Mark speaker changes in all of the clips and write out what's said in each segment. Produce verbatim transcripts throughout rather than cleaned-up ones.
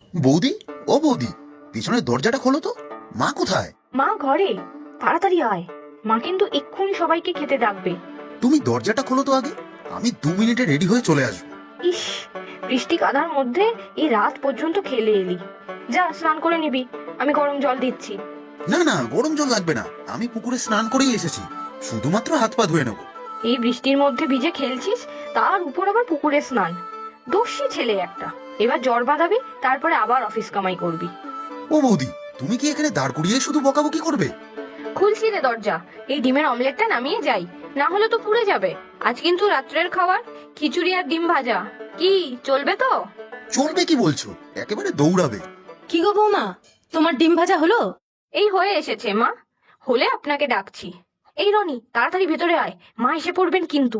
Speaker 1: বৌদি, ও বৌদি, পিছনের দরজাটা খোলো তো। মা কোথায়?
Speaker 2: মা ঘরে, তাড়াতাড়ি আয়। মা কিন্তু এক্ষুনি সবাইকে খেতে ডাকবে।
Speaker 1: তুমি দরজাটা খোলো তো আগে, আমি দু মিনিটে রেডি হয়ে চলে আসবো।
Speaker 2: ইস, বৃষ্টি কাদার মধ্যে এই রাত পর্যন্ত খেলে এলি। যা স্নান করে নিবি, আমি গরম জল দিচ্ছি।
Speaker 1: না না, গরম জল লাগবে না, আমি পুকুরে স্নান করেই এসেছি, শুধুমাত্র হাত পা ধুয়ে নেবো।
Speaker 2: এই বৃষ্টির মধ্যে ভিজে খেলছিস, তার উপর আবার পুকুরে স্নান। দোষী ছেলে একটা। এবার জ্বর বাঁধাবি, তারপরে আবার অফিস কামাই করবি।
Speaker 1: ও বৌদি, তুমি কি এখানে দাঁড় করিয়ে শুধু বকাবকি করবে?
Speaker 2: খুলছি রে দরজা, এই ডিমের অমলেটটা নামিয়ে যাই, না হলে তো পুড়ে যাবে। আজ কিন্তু রাত্রের খাবার খিচুড়ি আর ডিম ভাজা। কি চলবে তো?
Speaker 1: চলবে কি বলছো, একেবারে দৌড়াবে।
Speaker 3: কি গো বৌমা, তোমার ডিম ভাজা হলো?
Speaker 2: এই হয়ে এসেছে মা, হলে আপনাকে ডাকছি। এই রনি, তাড়াতাড়ি ভেতরে আয়, মা এসে পড়বেন কিন্তু।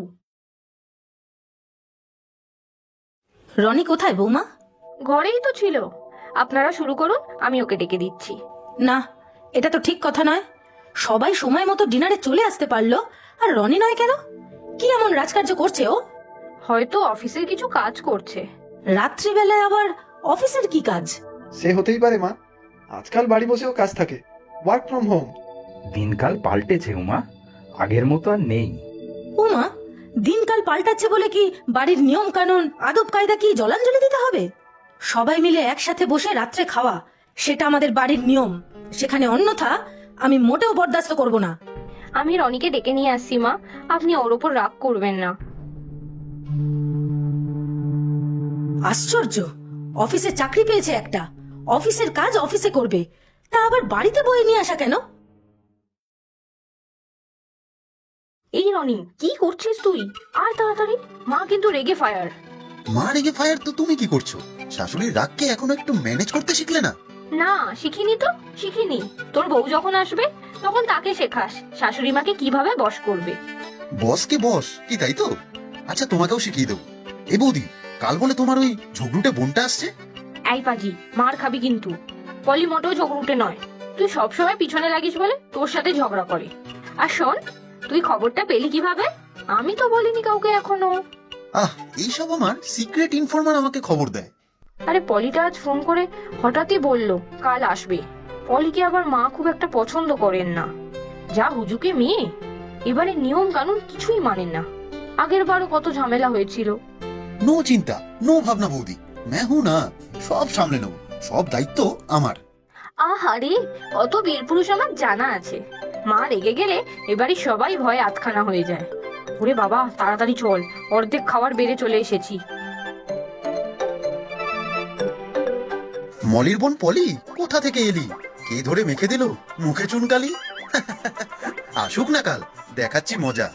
Speaker 3: রনি কোথায় বৌমা?
Speaker 2: ঘরেই তো ছিল। আপনারা শুরু করুন, আমি ওকে ডেকে দিচ্ছি।
Speaker 3: না, এটা তো ঠিক কথা নয়। সবাই সময় মতো ডিনারে চলে আসতে পারলো, আর রনি নয় কেন? কি এমন রাজকার্য করছে ও?
Speaker 2: হয়তো অফিসের কিছু কাজ করছে।
Speaker 3: রাত্রিবেলায় আবার অফিসের কি কাজ?
Speaker 4: সে হতেই পারে মা, আজকাল বাড়ি বসেও কাজ থাকে, ওয়ার্ক ফ্রম হোম।
Speaker 5: দিনকাল পাল্টেছে উমা, আগের মতো আর নেই।
Speaker 3: উমা, দিনকাল পাল্টাচ্ছে বলে কি বাড়ির নিয়ম কানুন আদব কায়দা কি জলাঞ্জলি দিতে হবে? সবাই মিলে একসাথে বসে রাত্রে খাওয়া, সেটা আমাদের বাড়ির নিয়ম। সেখানে অন্যথা আমি মোটেও বরদাস্ত করব না।
Speaker 2: আমি রনিকে ডেকে নিয়ে আসছি মা, আপনি ওর ওপর রাগ করবেন না।
Speaker 3: আশ্চর্য, অফিসে চাকরি পেয়েছে একটা, অফিসের কাজ অফিসে করবে, তা আবার বাড়িতে বয়ে নিয়ে আসা কেন?
Speaker 2: এই রনি, কি করছিস তুই? আর তাড়াতাড়ি, মা কিন্তু রেগে ফায়ার।
Speaker 1: মা রেগে ফায়ার তো তুমি কি করছো? শাশুড়ির রাগকে এখনো একটু ম্যানেজ করতে শিখলে না?
Speaker 2: না, শিখিনি তো, শিখিনি। তোর বউ যখন আসবে তখন তাকে শেখাস শাশুড়ি মাকে কিভাবে বশ করবে।
Speaker 1: বসকে বস কি, তাই তো? আচ্ছা, তোমাকেও শিখিয়ে দেবো। এ বৌদি, কাল বলে তোমার ওই ঝগড়ুটে বোনটা আসছে।
Speaker 2: এই পাজি, মার খাবি কিন্তু। পলি মোটেও ঝগড়ুটে নয়, তুই সবসময় পিছনে লাগিস বলে তোর সাথে ঝগড়া করে। আর শোন, তুই খবরটা পেলি কিভাবে? আমি তো বলিনি কাউকে এখনো।
Speaker 1: আহ, এইসব আমার সিক্রেট ইনফরমার আমাকে খবর দেয়।
Speaker 2: আরে পলিটা আজ ফোন করে হঠাৎই বলল কাল আসবে। পলিকে আবার মা খুব একটা পছন্দ করেন না। যা হুজুকে মেয়ে, এবারে নিয়ম কানুন কিছুই মানেন না। আগের বারও কত ঝামেলা হয়েছিল।
Speaker 1: নো চিন্তা, নো ভাবনা বৌদি, मैं हूं না, সব সামলে নেবো, সব দায়িত্ব আমার।
Speaker 2: আহারে, অত বীর পুরুষ আমার জানা আছে। মা রেগে গেলে এবারে সবাই ভয়ে আতখানা হয়ে যায়। ওরে বাবা, তাড়াতাড়ি চল, অর্ধেক খাবার বেড়ে চলে এসেছি।
Speaker 1: মলির বোন পলি, কোথা থেকে এলি? কে ধরে মেখে দিল মুখে চুনকালি? আসুক না কাল, দেখাচ্ছি মজা।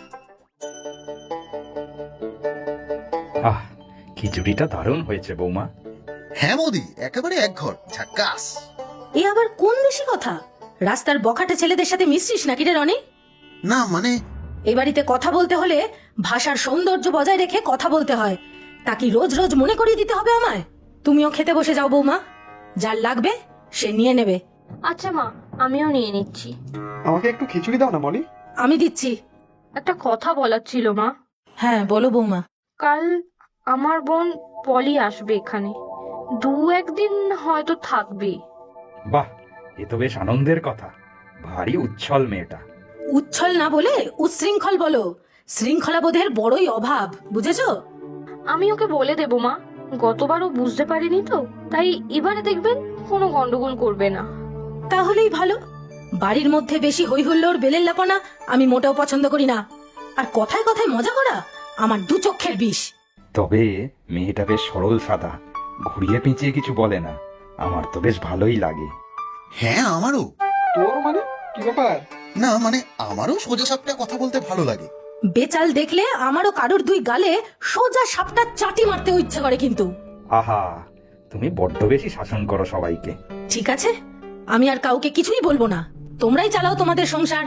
Speaker 5: আহ, খিচুড়িটা দারুণ হয়েছে বৌমা।
Speaker 1: হ্যাঁ বৌদি, একেবারে এক ঘর ঝাক্কাস।
Speaker 3: এ আবার কোন দেশি কথা? রাস্তার বখাটে ছেলেদের সাথে মিশছিস নাকি রে রনি?
Speaker 1: না মানে,
Speaker 3: এ বাড়িতে কথা বলতে হলে ভাষার সৌন্দর্য বজায় রেখে কথা বলতে হয়। তা কি রোজ রোজ মনে করিয়ে দিতে হবে আমায়? তুমিও খেতে বসে যাও বৌমা, যার লাগবে সে নিয়ে নেবে।
Speaker 2: আচ্ছা মা, আমিও নিয়ে নিচ্ছি।
Speaker 4: আমাকে একটু খিচুড়ি দাও না মলি।
Speaker 3: আমি দিচ্ছি।
Speaker 2: একটা কথা বলার ছিল মা।
Speaker 3: হ্যাঁ বলো বৌমা।
Speaker 2: কাল আমার বোন পলি আসবে এখানে, দু একদিন হয়তো থাকবে।
Speaker 5: বাহ, এ তো বেশ আনন্দের কথা। ভারী উচ্ছল মেয়েটা।
Speaker 3: উচ্ছল না বলে উচ্ছৃঙ্খল বলো। শৃঙ্খলাবোধের বড়ই অভাব, বুঝেছো?
Speaker 2: আমি ওকে বলে দেবো মা, গতবারও বুঝতে পারিনি তো, তাই এবারে দেখবেন কোনো গন্ডগোল করবে না।
Speaker 3: তাহলেই ভালো। বাড়ির মধ্যে বেশি হই হুল্লোড় বেলের লাপানা আমি মোটেও পছন্দ করি না। আর কথায় কথায় মজা করা আমার দু চক্ষের বিষ।
Speaker 5: তবে মেয়েটা বেশ সরল সাদা, ঘুরিয়ে পেঁচিয়ে কিছু বলে না। আমার তো বেশ ভালোই লাগে।
Speaker 1: হ্যাঁ আমারও।
Speaker 4: তোর মানে কি ব্যাপার?
Speaker 1: না মানে, আমারও সোজা সাপটা কথা বলতে ভালো লাগে।
Speaker 3: বেচাল দেখলে আমারও কারোর দুই গালে সোজা সাপটা চাটি মারতে ইচ্ছে করে কিন্তু।
Speaker 5: আহা, তুমি বড্ড বেশি শাসন করো সবাইকে।
Speaker 3: ঠিক আছে, আমি আর কাউকে কিছুই বলবো না, তোমরাই চালাও তোমাদের সংসার।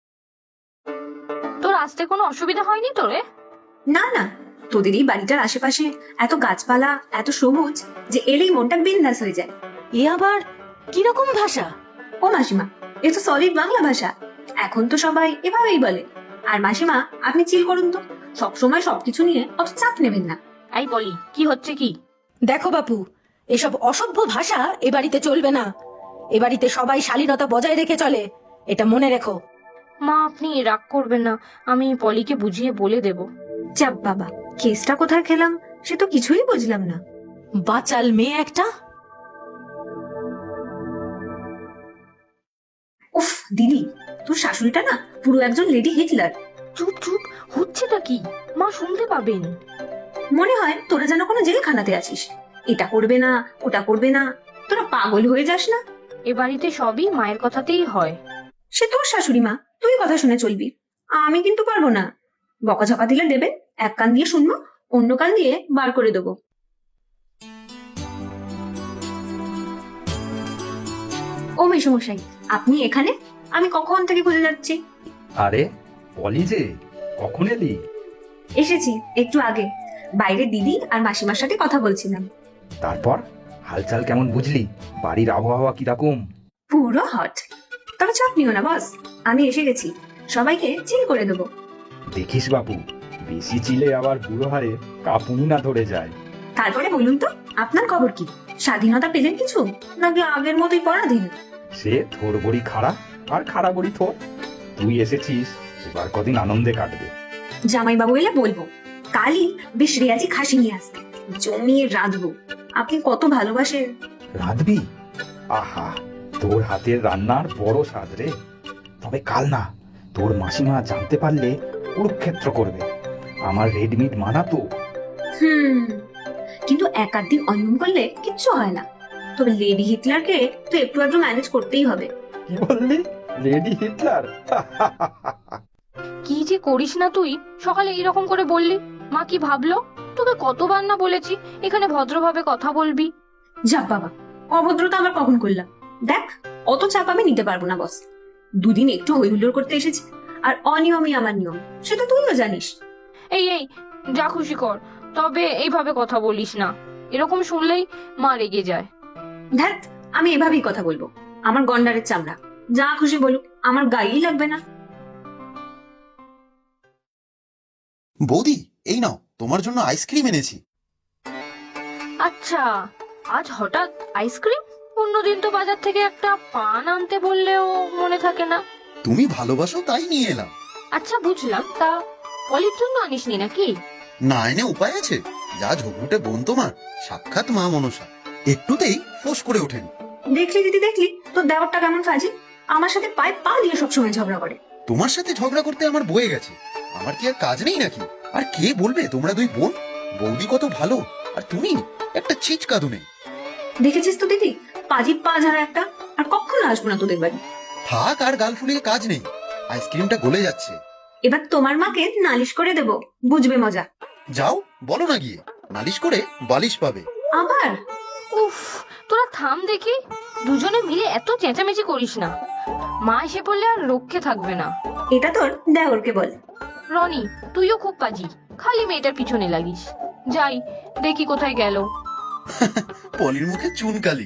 Speaker 2: তোর আসতে কোনো অসুবিধা হয়নি তো রে?
Speaker 6: না না, তোদের এই বাড়িটার আশেপাশে এত গাছপালা, এত সবুজ যে এলেই মনটা বিন্দাস হয়ে যায়।
Speaker 3: এ আবার কিরকম ভাষা?
Speaker 6: ও মাসিমা, এ তো সলিড বাংলা ভাষা। এখন তো সবাই এভাবেই বলে। আর মাসিমা, আপনি চিল করুন তো, সবসময় সবকিছু নিয়ে অত চাপ নেবেন না।
Speaker 2: এই বলি, কি হচ্ছে কি?
Speaker 3: দেখো বাপু, এসব অসভ্য ভাষা এ বাড়িতে চলবে না। এ বাড়িতে সবাই শালীনতা বজায় রেখে চলে, এটা মনে রেখো।
Speaker 2: মা আপনি রাগ করবেন না, আমি পলিকে বুঝিয়ে বলে দেব।
Speaker 6: চাপ বাবা, কেসটা কোথায় খেলাম সে তো কিছুই বুঝলাম না।
Speaker 3: বাচাল মেয়ে একটা।
Speaker 6: উফ দিদি, তোর শাশুড়িটা না পুরো একজন লেডি হিটলার।
Speaker 2: চুপ চুপ, হচ্ছেটা কি? মা শুনতে পাবেন।
Speaker 6: মনে হয় তোরা যেন কোনো জেলখানাতে আছিস। এটা করবে না, ওটা করবে না, তোরা পাগল হয়ে যাস না?
Speaker 2: এ বাড়িতে সবই মায়ের কথাতেই হয়।
Speaker 6: সে তোর শাশুড়ি মা, তুই কথা শুনে চলবি। আমি কিন্তু পারবো না। বকাঝকা দিলে দেবেন, এক কান দিয়ে শুনবো, অন্য কান দিয়ে বার করে দেবো। ও মেসমশাই, আপনি এখানে? আমি কখন থেকে খুঁজে যাচ্ছি।
Speaker 5: আরে পলি যে, কখন এলি?
Speaker 6: এসেছি একটু আগে, বাইরে দিদি আর মাসিমার সাথে কথা বলছিলাম।
Speaker 5: তারপর হালচাল কেমন বুঝলি? বাড়ির আবহাওয়া কিরকম?
Speaker 6: পুরো হট। তবে চাপ নিও না বস, আমি এসে গেছি, সবাইকে চিল করে দেবো।
Speaker 5: দেখিস বাবু, বেশি চিলে আবার বুড়ো হারে কাঁপুনি না ধরে যায়।
Speaker 6: তারপরে বলুন তো, আপনার খবর কি? স্বাধীনতা পেলেন কিছু, নাকি আগের মতোই পরাধীন?
Speaker 5: সে থোর বড়ি খাড়া আর খাড়া বড়ি থোর। তুই এসেছিস, এবার কদিন আনন্দে কাটবে।
Speaker 6: জামাইবাবু এলে বলবো কালই বেশ রেয়াজি খাসি নিয়ে আসতে, জমিয়ে রাঁধবো। আপনি কত ভালোবাসেন।
Speaker 5: রাঁধবি? আহা, তোর হাতের রান্নার বড় স্বাদ রে। তবে কাল না, তোর মাসিমা জানতে পারলে কুরুক্ষেত্র করবে। আমার রেডমিট মানা তো।
Speaker 6: হুম, কিন্তু এক আধ দিন অনিয়ম করলে কিচ্ছু হয় না। তবে লেডি হিটলারকে তো একটু একটু ম্যানেজ করতেই হবে।
Speaker 5: কি বললি? Lady Hitler?
Speaker 2: কি যে করিস না তুই, সকালে এইরকম করে বললি, মা কি ভাবলো? তোকে কতবার না বলেছি এখানে ভদ্রভাবে কথা বলবি।
Speaker 6: যা বাবা, অভদ্রতা আবার কখন করলাম? দেখ, অত চাপ আমি নিতে পারবো না বস। দুদিন একটু হই হুল্লোড় করতে এসেছি, আর অনিয়মই আমার নিয়ম, সেটা তুইও জানিস।
Speaker 2: এই এই, যা খুশি কর, তবে এইভাবে কথা বলিস না। এরকম শুনলেই মা রেগে যায়।
Speaker 6: ধ্যাত, আমি এভাবেই কথা বলবো। আমার গন্ডারের চামড়া, যা খুশি বলুক, আমার গায়েই লাগবে না।
Speaker 1: বৌদি, এই নাও তোমার জন্য আইসক্রিম এনেছি।
Speaker 2: আচ্ছা, আজ হঠাৎ আইসক্রিম? অন্যদিন তো বাজার থেকে একটা পান আনতে বললেও মনে থাকে না।
Speaker 1: তুমি ভালোবাসো তাই নিয়ে এলাম।
Speaker 2: আচ্ছা বুঝলাম, তা পলির জন্য আনিসনি নাকি?
Speaker 1: না এনে উপায় আছে? যা ঝগড়ুটে বোন তোমার, সাক্ষাৎ মা মনসা, একটুতেই ফোঁস করে ওঠেন।
Speaker 6: দেখলি দিদি, দেখলি তোর দেওয়ারটা কেমন ফাজি। আমার সাথে পায়ে পা দিয়ে সবসময় ঝগড়া করে।
Speaker 1: তোমার সাথে ঝগড়া করতে আমার বয়ে গেছে। আমার কি আর কাজ নেই নাকি? আর কে বলবে তোমরা দুই বোন? বৌদি কত ভালো, আর তুমি একটা ছিচকাদুনে।
Speaker 6: দেখেছিস তো দিদি, পাজি পা ঝাড়া একটা। আর কখনো আসবো না তোদের বাড়ি।
Speaker 1: থাক, আর গাল ফুলিয়ে কাজ নেই, আইসক্রিমটা গলে যাচ্ছে।
Speaker 6: এবার তোমার মাকে নালিশ করে দেব, বুঝবে মজা।
Speaker 1: যাও বলো না গিয়ে, নালিশ করে বালিশ পাবে।
Speaker 6: আবার
Speaker 2: উফ, তোরা থাম দেখি, দুজনে মিলে এত চেঁচামেচি করিস না। মা এসে পড়লে আর রক্ষে থাকবে না।
Speaker 6: এটা তোর দেওরকে বল।
Speaker 2: রনি, তুইও খুব পাজি, খালি মেয়েটার পিছনে লাগিস। যাই দেখি কোথায় গেল।
Speaker 1: পলির মুখে চুনকালি।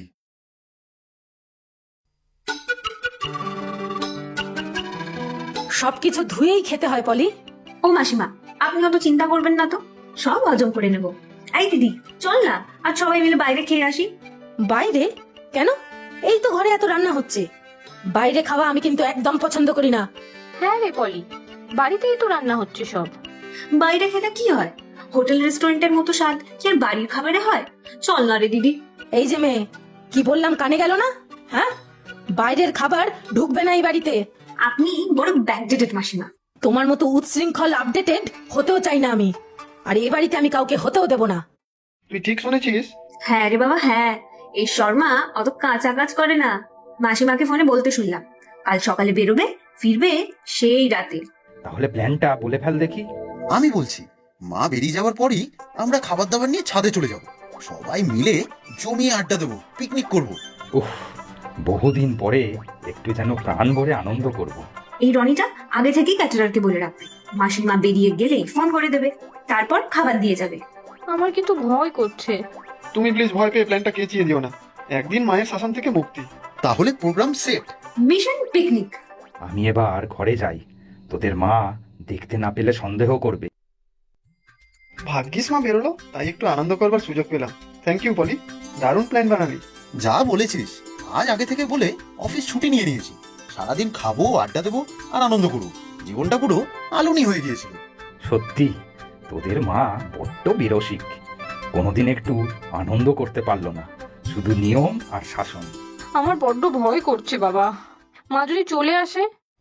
Speaker 3: সবকিছু ধুয়েই খেতে হয় পলি।
Speaker 6: ও মাসিমা, আপনি অত চিন্তা করবেন না তো, সব হজম করে নেব। এই দিদি, চল না আর সবাই মিলে বাইরে খেয়ে আসি।
Speaker 3: বাইরে? কেন? এই তো ঘরে এত রান্না হচ্ছে। বাইরে খাওয়া আমি কিন্তু একদম পছন্দ করি না।
Speaker 2: হ্যাঁ রে পলি, বাড়িতেই তো রান্না হচ্ছে সব।
Speaker 6: বাইরে খেলে কি হয়? হোটেল রেস্টুরেন্টের মতো স্বাদ কি আর বাড়ির খাবারে হয়? চল না রে দিদি।
Speaker 3: এই যে মেয়ে, কি বললাম কানে গেল না? হ্যাঁ, বাইরের খাবার ঢুকবে না এই বাড়িতে।
Speaker 6: আপনি বড় ব্যাকডেটেড মাসিমা।
Speaker 3: তোমার মতো উচ্ছৃঙ্খল আপডেটেড হতেও চাই না আমি, আর এই বাড়িতে আমি কাউকে হতেও দেব না।
Speaker 4: তুই ঠিক শুনেছিস।
Speaker 6: হ্যাঁ রে বাবা, হ্যাঁ। এই শর্মা অত কাঁচা কাজ করে না। মাসিমাকে ফোনে বলতে শুনলাম, কাল সকালে বেরোবে, ফিরবে সেই রাতে।
Speaker 5: তাহলে প্ল্যানটা বলে ফেল দেখি।
Speaker 1: আমি বলছি, মা বেরিয়ে যাওয়ার পরই আমরা খাবার দাবার নিয়ে ছাদে চলে যাব। সবাই মিলে জমিয়ে আড্ডা দেবো, পিকনিক করব।
Speaker 5: উফ, বহুদিন পরে একটু যেন প্রাণ ভরে আনন্দ করব।
Speaker 6: এই রনিটা আগে থেকেই ক্যাটারারকে বলে রাখবে, মাসিমা বেরিয়ে গেলেই ফোন করে দেবে, তারপর খাবার দিয়ে যাবে।
Speaker 2: আমার কিন্তু ভয় করছে।
Speaker 4: তুমি প্লিজ ভয় পেয়ে প্ল্যানটা কেচিয়ে দিও না। একদিন মায়ের শাসন থেকে মুক্তি।
Speaker 1: তাহলে প্রোগ্রাম সেট।
Speaker 6: Mission picnic.
Speaker 5: আমি এবার ঘরে যাই, তোদের মা দেখতে না পেলে সন্দেহ করবে।
Speaker 4: ভাগ্যিস মা বেরোলো, তাই একটু আনন্দ করবার সুযোগ পেলাম। Thank you Poly. দারুণ প্ল্যান বানালি।
Speaker 1: যা বলেছিস, আজ আগে থেকে বলে অফিস ছুটি নিয়ে নিয়েছি। সারাদিন খাবো, আড্ডা দেবো আর আনন্দ করবো। জীবনটা পুরো আলুনি হয়ে গিয়েছিল।
Speaker 5: সত্যি তোদের মা বড্ড বিরসিক, কোনোদিন একটু আনন্দ করতে পারলো না, শুধু নিয়ম আর শাসন।
Speaker 2: আমার বড্ড ভয় করছে বাবা, মা যদি চলে আসে।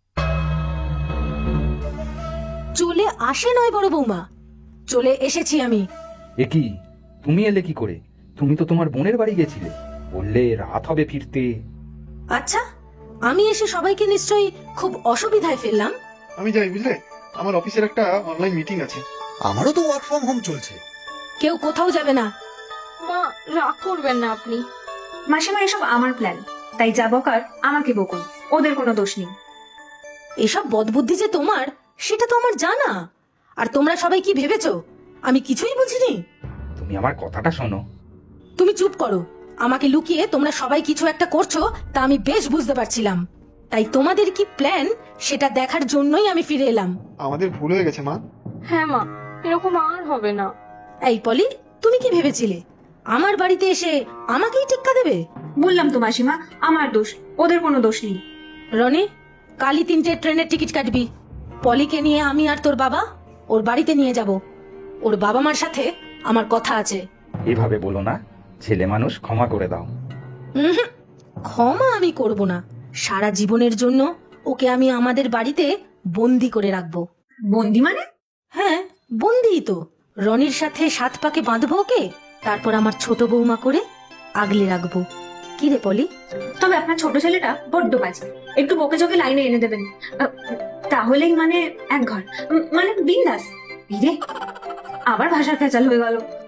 Speaker 3: চলে আসে নয় বড় বৌমা, চলে এসেছি আমি।
Speaker 5: এ কি, তুমি এলে কি করে? তুমি তো তোমার বোনের বাড়ি গেছিলে, বললে রাত হবে ফিরতে।
Speaker 3: আচ্ছা, আমি এসে সবাইকে নিশ্চয়ই খুব অসুবিধায় ফেললাম।
Speaker 4: আমি যাই, বুঝলে, আমার অফিসের একটা অনলাইন মিটিং আছে।
Speaker 1: আমারও তো ওয়ার্ক ফ্রম হোম চলছে।
Speaker 3: কেউ কোথাও যাবে না।
Speaker 2: মা রাগ করবেন না আপনি।
Speaker 6: মাসিমা এসব আমার প্ল্যান, তাই যা বকার আমাকে বকুন, ওদের কোনো দোষ নেই।
Speaker 3: এসব বদবুদ্ধি যে তোমার সেটা তো আমার জানা। আর তোমরা সবাই কি ভেবেছো আমি কিছুই বুঝিনি?
Speaker 5: তুমি আমার কথাটা শোনো।
Speaker 3: তুমি চুপ করো। আমাকে লুকিয়ে তোমরা সবাই কিছু একটা করছো তা আমি বেশ বুঝতে পারছিলাম। তাই তোমাদের কি প্ল্যান সেটা দেখার জন্যই আমি ফিরে এলাম।
Speaker 4: আমাদের ভুল হয়ে গেছে মা।
Speaker 2: হ্যাঁ মা, এরকম আর হবে না।
Speaker 3: এই পলি, তুমি কি ভেবেছিলে আমার বাড়িতে এসে আমাকেই টেক্কা দেবে?
Speaker 6: বললাম তো মাসিমা, আমার দোষ, ওদের কোনো দোষ নেই।
Speaker 3: রনি, কালই তিনটে ট্রেনের টিকিট কাটবি। পলিকে নিয়ে আমি আর তোর বাবা ওর বাড়িতে নিয়ে যাব। ওর বাবা মার সাথে আমার কথা আছে।
Speaker 5: এভাবে বলো না, ছেলে মানুষ, ক্ষমা করে দাও।
Speaker 3: উহুম, ক্ষমা আমি করব না। সারা জীবনের জন্য ওকে আমি আমাদের বাড়িতে বন্দি করে রাখবো।
Speaker 6: বন্দি মানে?
Speaker 3: হ্যাঁ, বন্দি তো। রনির সাথে সাত পাকে বাঁধবো ওকে, তারপর আমার ছোট বৌমা করে আগলে রাখবো। কি রে পলি?
Speaker 6: তবে আপনার ছোট ছেলেটা বড্ড বাজে, একটু বকে চোখে লাইনে এনে দেবেন, আহ, তাহলেই মানে এক ঘর, উম, মানে বিন্দাস। রে আবার ভাষার ফেচাল হয়ে গেল।